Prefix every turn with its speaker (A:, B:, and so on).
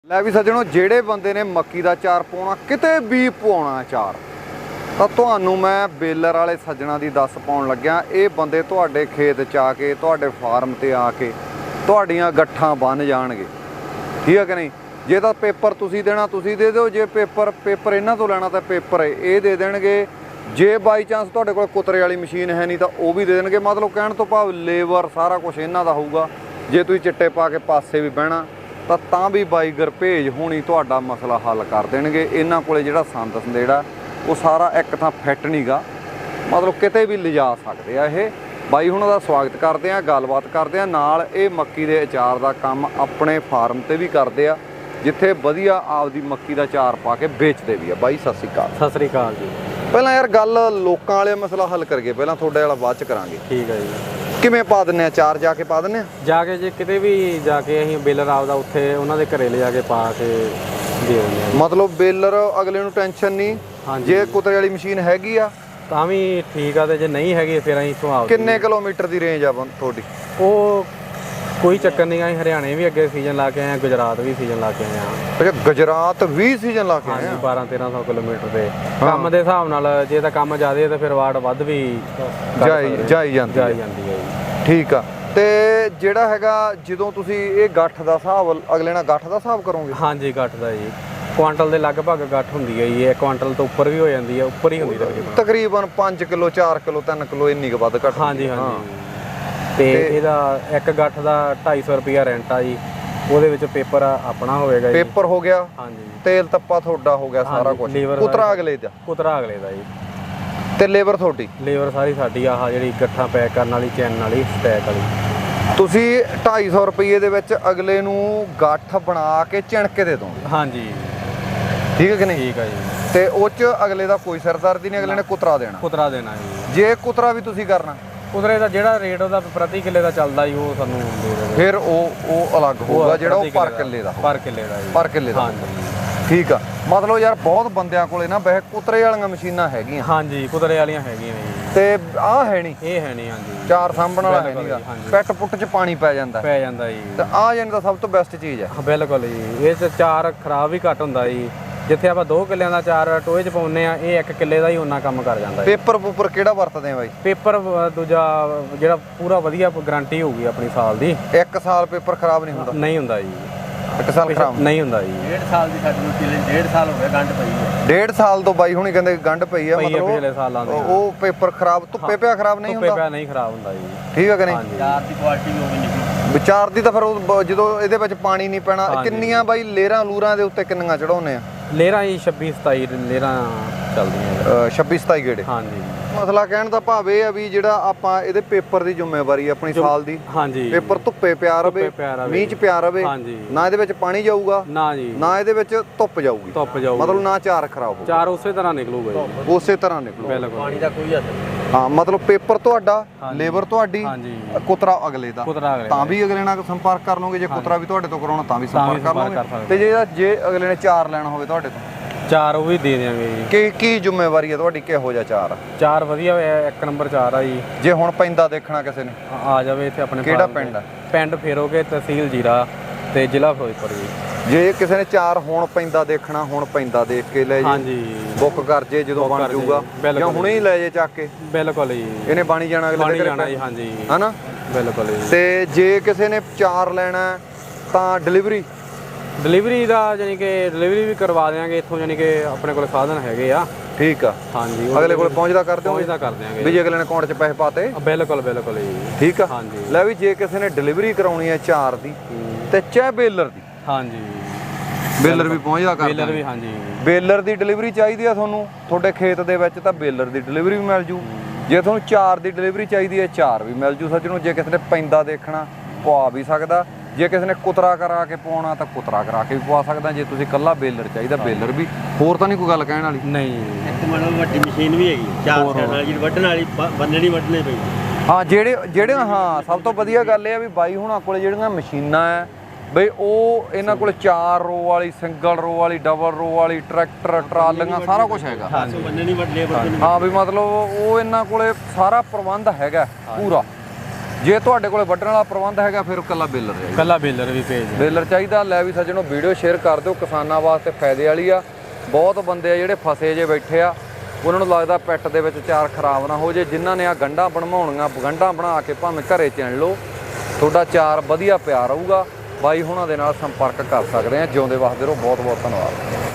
A: ਲੈ ਵੀ ਸੱਜਣੋ, ਜਿਹੜੇ ਬੰਦੇ ਨੇ ਮੱਕੀ ਦਾ ਚਾਰ ਪਾਉਣਾ, ਕਿਤੇ ਵੀ ਪਾਉਣਾ ਚਾਰ, ਤਾਂ ਤੁਹਾਨੂੰ ਮੈਂ ਬੇਲਰ ਵਾਲੇ ਸੱਜਣਾ ਦੀ ਦੱਸ ਪਾਉਣ ਲੱਗਿਆ। ਇਹ ਬੰਦੇ ਤੁਹਾਡੇ ਖੇਤ 'ਚ ਆ ਕੇ, ਤੁਹਾਡੇ ਫਾਰਮ ਤੇ ਆ ਕੇ ਤੁਹਾਡੀਆਂ ਗੱਠਾਂ ਬੰਨ ਜਾਣਗੇ, ਠੀਕ ਹੈ ਕਿ ਨਹੀਂ। ਜੇ ਤਾਂ ਪੇਪਰ ਤੁਸੀਂ ਦੇਣਾ ਤੁਸੀਂ ਦੇ ਦਿਓ, ਜੇ ਪੇਪਰ ਇਹਨਾਂ ਤੋਂ ਲੈਣਾ ਤਾਂ ਪੇਪਰ ਇਹ ਦੇ ਦੇਣਗੇ। ਜੇ ਬਾਈ ਚਾਂਸ ਤੁਹਾਡੇ ਕੋਲ ਕੁਤਰੇ ਵਾਲੀ ਮਸ਼ੀਨ ਹੈ ਨਹੀਂ ਤਾਂ ਉਹ ਵੀ ਦੇ ਦੇਣਗੇ। ਮਤਲਬ ਕਹਿਣ ਤੋਂ ਭਾਵ ਲੇਬਰ ਸਾਰਾ ਕੁਝ ਇਹਨਾਂ ਦਾ ਹੋਊਗਾ। ਜੇ ਤੁਸੀਂ ਚਿੱਟੇ ਪਾ ਕੇ ਪਾਸੇ ਵੀ ਬਹਿਣਾ ਤਾਂ ਵੀ ਬਾਈ ਗਰਭੇਜ ਹੋਣੀ ਤੁਹਾਡਾ ਮਸਲਾ ਹੱਲ ਕਰ ਦੇਣਗੇ। ਇਹਨਾਂ ਕੋਲੇ ਜਿਹੜਾ ਸੰਦ ਸੰਦੇੜਾ ਉਹ ਸਾਰਾ ਇੱਕ ਥਾਂ ਫਿੱਟ ਨਹੀਂ ਗਾ, ਮਤਲਬ ਕਿਤੇ ਵੀ ਲਿਜਾ ਸਕਦੇ ਆ। ਇਹ ਬਾਈ ਹੁਣਾਂ ਦਾ ਸਵਾਗਤ ਕਰਦੇ ਆ, ਗੱਲਬਾਤ ਕਰਦੇ ਆ ਨਾਲ। ਇਹ ਮੱਕੀ ਦੇ ਅਚਾਰ ਦਾ ਕੰਮ ਆਪਣੇ ਫਾਰਮ ਤੇ ਵੀ ਕਰਦੇ ਆ, ਜਿੱਥੇ ਵਧੀਆ ਆਪਦੀ ਮੱਕੀ ਦਾ ਅਚਾਰ ਪਾ ਕੇ ਵੇਚਦੇ ਵੀ ਆ। ਬਾਈ ਸਤਿ ਸ਼੍ਰੀ ਅਕਾਲ।
B: ਸਤਿ ਸ੍ਰੀ ਅਕਾਲ ਜੀ।
A: ਪਹਿਲਾਂ ਯਾਰ ਗੱਲ ਲੋਕਾਂ ਵਾਲੇ ਮਸਲਾ ਹੱਲ ਕਰੀਏ, ਪਹਿਲਾਂ ਤੁਹਾਡੇ ਵਾਲਾ ਬਾਅਦ ਚ ਕਰਾਂਗੇ।
B: ਠੀਕ ਹੈ ਜੀ।
A: ਕਿਵੇਂ ਪਾ ਦਿੰਨੇ ਆ ਚਾਰ? ਜਾ ਕੇ ਪਾ ਦਿੰਨੇ ਆ,
B: ਜਾ ਕੇ ਜੇ ਕਿਤੇ ਵੀ ਜਾ ਕੇ ਅਸੀਂ ਬੇਲਰ ਆਪਦਾ ਉੱਥੇ ਉਹਨਾਂ ਦੇ ਘਰੇ ਲਿਜਾ ਕੇ ਪਾ ਕੇ ਦੇ ਦਿੰਦੇ ਆ।
A: ਮਤਲਬ ਬੇਲਰ ਅਗਲੇ ਨੂੰ ਟੈਨਸ਼ਨ ਨਹੀਂ। ਜੇ ਕੁਤਰੇ ਵਾਲੀ ਮਸ਼ੀਨ ਹੈਗੀ ਆ
B: ਤਾਂ ਵੀ ਠੀਕ ਆ, ਤੇ ਜੇ ਨਹੀਂ ਹੈਗੀ ਫਿਰ ਅਸੀਂ ਇੱਥੋਂ ਆਪ।
A: ਕਿੰਨੇ ਕਿਲੋਮੀਟਰ ਦੀ ਰੇਂਜ ਆ ਤੁਹਾਡੀ?
B: ਉਹ ਕੋਈ ਚੱਕਰ ਨਹੀਂ, ਅਸੀਂ ਹਰਿਆਣੇ ਵੀ ਅੱਗੇ ਸੀਜ਼ਨ ਲਾ ਕੇ ਆਏ ਆ, ਗੁਜਰਾਤ ਵੀ ਸੀਜ਼ਨ ਲਾ ਕੇ ਆਏ ਆ।
A: ਅੱਛਾ, ਗੁਜਰਾਤ ਵੀ ਸੀਜ਼ਨ ਲਾ ਕੇ ਆਏ ਆ?
B: 1200-1300 ਕਿਲੋਮੀਟਰ ਦੇ ਕੰਮ ਦੇ ਹਿਸਾਬ ਨਾਲ। ਜੇ ਤਾਂ ਕੰਮ ਜ਼ਿਆਦਾ ਤਾਂ ਫਿਰ ਵਾਟ ਵੱਧ ਵੀ
A: ਜਾਈ ਜਾਂਦੀ
B: ਹੈ ਜੀ।
A: ਠੀਕ ਆ। ਤੇ ਜਿਹੜਾ ਹੈਗਾ ਜਦੋਂ ਤੁਸੀਂ ਇਹ ਗੱਠ ਦਾ ਹਿਸਾਬ ਅਗਲੇ ਨਾਲ ਗੱਠ ਦਾ ਹਿਸਾਬ ਕਰੋਗੇ?
B: ਹਾਂਜੀ, ਗੱਠ ਦਾ ਜੀ। ਕੁਆਂਟਲ ਦੇ ਲਗਭਗ ਗੱਠ ਹੁੰਦੀ ਹੈ ਜੀ। ਇਹ ਕੁਆਂਟਲ ਤੋਂ ਉੱਪਰ ਵੀ ਹੋ ਜਾਂਦੀ ਹੈ, ਉੱਪਰ ਹੀ ਹੁੰਦੀ ਹੈ
A: ਤਕਰੀਬਨ 5 ਕਿਲੋ 4 ਕਿਲੋ 3 ਕਿਲੋ ਇੰਨੀ ਕੁ ਵੱਧ ਘੱਟ।
B: ਹਾਂਜੀ ਹਾਂਜੀ। ਤੇ ਇਹਦਾ ਇੱਕ ਗੱਠ ਦਾ 250 ਰੁਪਿਆ ਰੈਂਟ ਆ ਜੀ। ਉਹਦੇ ਵਿੱਚ ਪੇਪਰ ਆਪਣਾ ਹੋਵੇਗਾ ਜੀ।
A: ਪੇਪਰ ਹੋ ਗਿਆ,
B: ਹਾਂਜੀ।
A: ਤੇਲ ਤੱਪਾ ਤੁਹਾਡਾ ਹੋ ਗਿਆ, ਸਾਰਾ ਕੁਝ। ਕੁਤਰਾ ਅਗਲੇ ਦਾ?
B: ਕੁਤਰਾ ਅਗਲੇ ਦਾ ਜੀ।
A: ਤੇ ਲੇਬਰ ਤੁਹਾਡੀ?
B: ਲੇਬਰ ਸਾਰੀ ਸਾਡੀ। ਆਹ ਜਿਹੜੀ ਗੱਠਾਂ ਪੈਕ ਕਰਨ ਵਾਲੀ, ਚੈਨ ਵਾਲੀ, ਸਟੈਕ ਵਾਲੀ।
A: ਤੁਸੀਂ 250 ਰੁਪਏ ਦੇ ਵਿੱਚ ਅਗਲੇ ਨੂੰ ਗੱਠ ਬਣਾ ਕੇ ਚਿਣ ਕੇ ਦੇ ਦੋਗੇ?
B: ਹਾਂਜੀ।
A: ਠੀਕ ਹੈ ਕਿ ਨਹੀਂ?
B: ਠੀਕ ਹੈ ਜੀ।
A: ਤੇ ਉਹ 'ਚ ਅਗਲੇ ਦਾ ਕੋਈ ਸਿਰਦਰਦੀ ਨਹੀਂ, ਅਗਲੇ ਨੇ ਕੁਤਰਾ ਦੇਣਾ?
B: ਕੁਤਰਾ ਦੇਣਾ ਜੀ।
A: ਜੇ ਕੁਤਰਾ ਵੀ ਤੁਸੀਂ ਕਰਨਾ,
B: ਕੁਤਰੇ ਦਾ ਜਿਹੜਾ ਰੇਟ ਉਹਦਾ ਪ੍ਰਤੀ ਕਿੱਲੇ ਦਾ ਚੱਲਦਾ ਜੀ, ਉਹ ਸਾਨੂੰ ਦੇ ਦੇਵੇ।
A: ਫਿਰ ਉਹ ਅਲੱਗ ਹੋਊਗਾ, ਜਿਹੜਾ ਉਹ ਪਰ ਕਿੱਲੇ ਦਾ?
B: ਪਰ ਕਿੱਲੇ ਦਾ ਜੀ।
A: ਪਰ ਕਿੱਲੇ ਦਾ?
B: ਹਾਂਜੀ।
A: ਠੀਕ ਆ। ਮਤਲਬ ਯਾਰ ਬਹੁਤ ਬੰਦਿਆਂ ਕੋਲੇ ਨਾ ਵੈਸੇ ਕੁਤਰੇ ਵਾਲੀਆਂ ਮਸ਼ੀਨਾਂ ਹੈਗੀਆਂ।
B: ਹਾਂਜੀ, ਕੁਤਰੇ ਵਾਲੀਆਂ ਹੈਗੀਆਂ ਨੇ ਜੀ।
A: ਤੇ ਆਹ ਹੈ ਨਹੀਂ?
B: ਇਹ ਹੈ ਨਹੀਂ। ਹਾਂਜੀ।
A: ਚਾਰ ਸਾਂਭਣ ਵਾਲਾ ਹੈ ਨਹੀਂਗਾ, ਪੈਟ ਪੁੱਟ 'ਚ ਪਾਣੀ ਪੈ ਜਾਂਦਾ
B: ਜੀ।
A: ਤੇ ਆਹ ਜਾਨੀ ਤਾਂ ਸਭ ਤੋਂ ਬੈਸਟ ਚੀਜ਼ ਹੈ।
B: ਬਿਲਕੁਲ ਜੀ। ਇਹ 'ਚ ਚਾਰ ਖਰਾਬ ਵੀ ਘੱਟ ਹੁੰਦਾ ਜੀ। ਜਿੱਥੇ ਆਪਾਂ 2 ਕਿੱਲਿਆਂ ਦਾ ਚਾਰ ਟੋਏ 'ਚ ਪਾਉਂਦੇ ਆ, ਇਹ 1 ਕਿੱਲੇ ਦਾ ਹੀ ਉਹਨਾਂ ਕੰਮ ਕਰ ਜਾਂਦਾ।
A: ਪੇਪਰ ਕਿਹੜਾ ਵਰਤਦੇ ਆ ਬਾਈ?
B: ਪੇਪਰ ਦੂਜਾ ਜਿਹੜਾ ਪੂਰਾ ਵਧੀਆ ਗਾਰੰਟੀ ਹੋਊਗੀ ਆਪਣੀ ਸਾਲ ਦੀ।
A: 1 ਸਾਲ ਪੇਪਰ ਖਰਾਬ ਨਹੀਂ ਹੁੰਦਾ?
B: ਨਹੀਂ ਹੁੰਦਾ ਜੀ।
A: 1 ਸਾਲ ਖਰਾਬ
B: ਨਹੀਂ ਹੁੰਦਾ ਜੀ।
C: 1.5 ਸਾਲ ਦੀ ਸਾਡੀ ਨੂੰ 1.5 ਸਾਲ ਹੋ ਗਿਆ ਗੰਢ ਪਈ ਹੈ।
A: 1.5 ਸਾਲ ਤੋਂ ਬਾਈ ਹੁਣੀ ਕਹਿੰਦੇ ਗੰਢ ਪਈ ਆ। ਮਤਲਬ
B: ਪਿਛਲੇ ਸਾਲਾਂ ਦੇ
A: ਉਹ ਪੇਪਰ ਖਰਾਬ ਧੁੱਪੇ ਪਿਆ ਖਰਾਬ ਨਹੀਂ ਹੁੰਦਾ?
B: ਧੁੱਪੇ ਪਿਆ ਨਹੀਂ ਖਰਾਬ ਹੁੰਦਾ ਜੀ।
A: ਠੀਕ ਹੈ ਕਿ ਨਹੀਂ?
C: ਚਾਰ ਦੀ ਕੁਆਲਿਟੀ ਵੀ ਹੋਵੇ ਨਿਕਲੀ।
A: ਵਿਚਾਰ ਦੀ ਤਾਂ ਫਿਰ ਜਦੋਂ ਇਹਦੇ ਵਿੱਚ ਪਾਣੀ ਨਹੀਂ ਪੈਣਾ। ਕਿੰਨੀਆਂ ਬਾਈ ਲੇਰਾਂ ਲੂਰਾਂ ਦੇ ਉੱਤੇ ਕਿੰਨੀਆਂ ਚੜਾਉਨੇ ਆ?
B: ਲੇਰਾਂ ਜੀ 26-27 ਲੇਰਾਂ ਚੱਲਦੀਆਂ।
A: 26-27 ਗੇੜੇ?
B: ਹਾਂਜੀ।
A: ਮਸਲਾ ਕਹਿਣ ਦਾ ਭਾਵ ਇਹ ਆ ਵੀ ਜਿਹੜਾ ਆਪਾਂ ਇਹਦੇ ਪੇਪਰ ਦੀ ਜ਼ਿੰਮੇਵਾਰੀ ਆਪਣੀ ਸਾਲ ਦੀ।
B: ਹਾਂਜੀ।
A: ਪੇਪਰ ਧੁੱਪੇ ਪਿਆ ਰਵੇ, ਮੀਂਹ 'ਚ ਪਿਆ ਰਵੇ, ਨਾ ਇਹਦੇ ਵਿੱਚ ਪਾਣੀ ਜਾਊਗਾ,
B: ਨਾ ਜੀ,
A: ਨਾ ਇਹਦੇ ਵਿੱਚ ਧੁੱਪ ਜਾਊਗੀ। ਮਤਲਬ ਨਾ ਚਾਰ ਖਰਾਬ ਹੋਊ,
B: ਚਾਰ ਉਸੇ ਤਰ੍ਹਾਂ ਨਿਕਲੂਗਾ ਜੀ।
A: ਉਸੇ ਤਰ੍ਹਾਂ ਨਿਕਲੂਗਾ।
B: ਬਿਲਕੁਲ।
C: ਪਾਣੀ ਦਾ ਕੋਈ ਅਸਰ ਨਹੀਂ।
A: ਹਾਂ, ਮਤਲਬ ਪੇਪਰ ਤੁਹਾਡਾ, ਲੇਬਰ ਤੁਹਾਡੀ, ਕੁਤਰਾ ਅਗਲੇ ਦਾ। ਤਾਂ ਵੀ ਅਗਲੇ ਨਾਲ ਸੰਪਰਕ ਕਰ ਲਓਗੇ। ਜੇ ਕੁਤਰਾ ਵੀ ਤੁਹਾਡੇ ਤੋਂ ਕਰਾਉਣਾ ਤਾਂ ਵੀ ਸੰਪਰਕ ਕਰ ਲਓਗੇ। ਤੇ ਜੇ ਅਗਲੇ ਨੇ ਚਾਰ ਲੈਣਾ ਹੋਵੇ ਤੁਹਾਡੇ ਤੋਂ?
B: ਚਾਰ ਉਹ ਵੀ ਦੇ ਦਿਆਂਗੇ ਜੀ।
A: ਕੀ ਜ਼ਿੰਮੇਵਾਰੀ ਹੈ ਤੁਹਾਡੀ? ਕਿਹੋ ਜਿਹਾ ਚਾਰ?
B: ਚਾਰ ਵਧੀਆ ਹੋਇਆ, 1 ਨੰਬਰ ਚਾਰ ਆ ਜੀ।
A: ਜੇ ਹੁਣ ਪੈਂਦਾ ਦੇਖਣਾ ਕਿਸੇ ਨੇ,
B: ਆ ਜਾਵੇ ਇੱਥੇ ਆਪਣੇ।
A: ਕਿਹੜਾ ਪਿੰਡ ਆ?
B: ਪਿੰਡ ਫੇਰੋਗੇ, ਤਹਿਸੀਲ ਜੀਰਾ ਤੇ ਜ਼ਿਲ੍ਹਾ ਫਿਰੋਜ਼ਪੁਰ ਜੀ।
A: ਜੇ ਕਿਸੇ ਨੇ ਚਾਰ ਹੁਣ ਪੈਂਦਾ ਦੇਖਣਾ, ਹੁਣ ਪੈਂਦਾ ਦੇਖ ਕੇ ਲੈ ਜੀ।
B: ਹਾਂਜੀ।
A: ਬੁੱਕ ਕਰ ਜੇ ਜਦੋਂ ਬਣ ਜਾਊਗਾ, ਜਾਂ ਹੁਣੇ ਹੀ ਲੈ ਜੇ ਚੱਕ ਕੇ।
B: ਬਿਲਕੁਲ ਜੀ।
A: ਇਹਨੇ ਬਾਣੀ ਜਾਣਾ ਅਗਲੇ ਦੇ
B: ਘਰੇ। ਹਾਂਜੀ।
A: ਹਨਾ?
B: ਬਿਲਕੁਲ ਜੀ।
A: ਤੇ ਜੇ ਕਿਸੇ ਨੇ ਚਾਰ ਲੈਣਾ ਤਾਂ ਡਿਲੀਵਰੀ ਦਾ ਜਾਨੀ ਕਿ ਡਿਲੀਵਰੀ ਵੀ ਕਰਵਾ ਦਿਆਂਗੇ ਇੱਥੋਂ, ਜਾਨੀ ਕਿ ਆਪਣੇ ਕੋਲ ਸਾਧਨ ਹੈਗੇ ਆ। ਠੀਕ ਆ।
B: ਹਾਂਜੀ।
A: ਅਗਲੇ ਕੋਲ ਪਹੁੰਚਦਾ ਕਰ ਦਿਓ?
B: ਪਹੁੰਚਦਾ ਕਰ ਦਿਆਂਗੇ
A: ਵੀ ਜੇ ਅਗਲੇ ਨੇ ਅਕਾਊਂਟ 'ਚ ਪੈਸੇ ਪਾਤੇ।
B: ਬਿਲਕੁਲ ਬਿਲਕੁਲ ਜੀ।
A: ਠੀਕ ਆ।
B: ਹਾਂਜੀ।
A: ਲੈ ਵੀ ਜੇ ਕਿਸੇ ਨੇ ਡਿਲੀਵਰੀ ਕਰਾਉਣੀ ਹੈ ਚਾਰ ਦੀ ਤੇ ਚਾਹੇ ਬੇਲਰ ਦੀ।
B: ਹਾਂਜੀ।
A: ਬੇਲਰ ਵੀ ਪਹੁੰਚਦਾ ਕਰ
B: ਬੇਲਰ ਵੀ। ਹਾਂਜੀ।
A: ਬੇਲਰ ਦੀ ਡਿਲੀਵਰੀ ਚਾਹੀਦੀ ਆ ਤੁਹਾਨੂੰ ਤੁਹਾਡੇ ਖੇਤ ਦੇ ਵਿੱਚ ਤਾਂ ਬੇਲਰ ਦੀ ਡਿਲੀਵਰੀ ਵੀ ਮਿਲ ਜੂ। ਜੇ ਤੁਹਾਨੂੰ ਚਾਰ ਦੀ ਡਿਲੀਵਰੀ ਚਾਹੀਦੀ ਹੈ, ਚਾਰ ਵੀ ਮਿਲ ਜੂ ਸੱਜਣੋ। ਜੇ ਕਿਸੇ ਨੇ ਪੈਂਦਾ ਦੇਖਣਾ, ਪਵਾ ਵੀ ਸਕਦਾ। ਜੇ ਕਿਸੇ ਨੇ ਕੁਤਰਾ ਕਰਾ ਕੇ ਪਾਉਣਾ ਤਾਂ ਕੁਤਰਾ ਕਰਾ ਕੇ ਵੀ ਪਵਾ ਸਕਦਾ। ਜੇ ਤੁਸੀਂ ਕੱਲਾ ਬੇਲਰ ਚਾਹੀਦਾ, ਬੇਲਰ ਵੀ। ਹੋਰ ਤਾਂ ਨਹੀਂ ਕੋਈ ਗੱਲ ਕਹਿਣ ਵਾਲੀ?
B: ਨਹੀਂ।
C: ਇੱਕ ਮਤਲਬ ਵੱਡੀ ਮਸ਼ੀਨ ਵੀ ਹੈਗੀ, ਚਾਰ ਸਾਈਡ ਨਾਲ, ਜਿਹੜੀ ਵੱਢਣ ਵਾਲੀ ਬੰਨਣੀ ਵੱਢਣੇ ਪਈ।
A: ਹਾਂ, ਜਿਹੜੇ ਹਾਂ, ਸਭ ਤੋਂ ਵਧੀਆ ਗੱਲ ਇਹ ਆ ਵੀ ਬਾਈ ਹੁਣਾਂ ਕੋਲੇ ਜਿਹੜੀਆਂ ਮਸ਼ੀਨਾਂ ਆ ਬਈ, ਉਹ ਇਹਨਾਂ ਕੋਲ 4 ਰੋ ਵਾਲੀ, ਸਿੰਗਲ ਰੋ ਵਾਲੀ, ਡਬਲ ਰੋ ਵਾਲੀ, ਟਰੈਕਟਰ, ਟਰਾਲੀਆਂ, ਸਾਰਾ ਕੁਝ ਹੈਗਾ।
C: ਬੰਨਣੀ ਵੱਢ ਲੇਬਰ।
A: ਹਾਂ ਵੀ ਮਤਲਬ ਉਹ ਇਹਨਾਂ ਕੋਲੇ ਸਾਰਾ ਪ੍ਰਬੰਧ ਹੈਗਾ ਪੂਰਾ। ਜੇ ਤੁਹਾਡੇ ਕੋਲੇ ਵੱਢਣ ਵਾਲਾ ਪ੍ਰਬੰਧ ਹੈਗਾ ਫਿਰ ਇਕੱਲਾ ਬੇਲਰ ਹੈ।
B: ਕੱਲਾ ਬੇਲਰ ਵੀ ਭੇਜ ਦਿਓ।
A: ਬੇਲਰ ਚਾਹੀਦਾ। ਲੈ ਵੀ ਸੱਜਣੋ, ਵੀਡੀਓ ਸ਼ੇਅਰ ਕਰ ਦਿਓ, ਕਿਸਾਨਾਂ ਵਾਸਤੇ ਫਾਇਦੇ ਵਾਲੀ ਆ। ਬਹੁਤ ਬੰਦੇ ਆ ਜਿਹੜੇ ਫਸੇ ਜੇ ਬੈਠੇ ਆ, ਉਹਨਾਂ ਨੂੰ ਲੱਗਦਾ ਪਿੱਟ ਦੇ ਵਿੱਚ ਚਾਰ ਖਰਾਬ ਨਾ ਹੋ ਜੇ। ਜਿਨ੍ਹਾਂ ਨੇ ਆ ਗੰਢਾਂ ਬਣਵਾਉਣੀਆਂ, ਗੰਢਾਂ ਬਣਾ ਕੇ ਭਾਵੇਂ ਘਰੇ ਚਿਣ ਲਓ, ਤੁਹਾਡਾ ਚਾਰ ਵਧੀਆ ਪਿਆ ਰਹੂਗਾ। ਬਾਈ ਹੁਣਾਂ ਦੇ ਨਾਲ ਸੰਪਰਕ ਕਰ ਸਕਦੇ ਆ। ਜਿਉਂਦੇ ਵਸਦੇ ਰਹੋ। ਬਹੁਤ ਬਹੁਤ ਧੰਨਵਾਦ।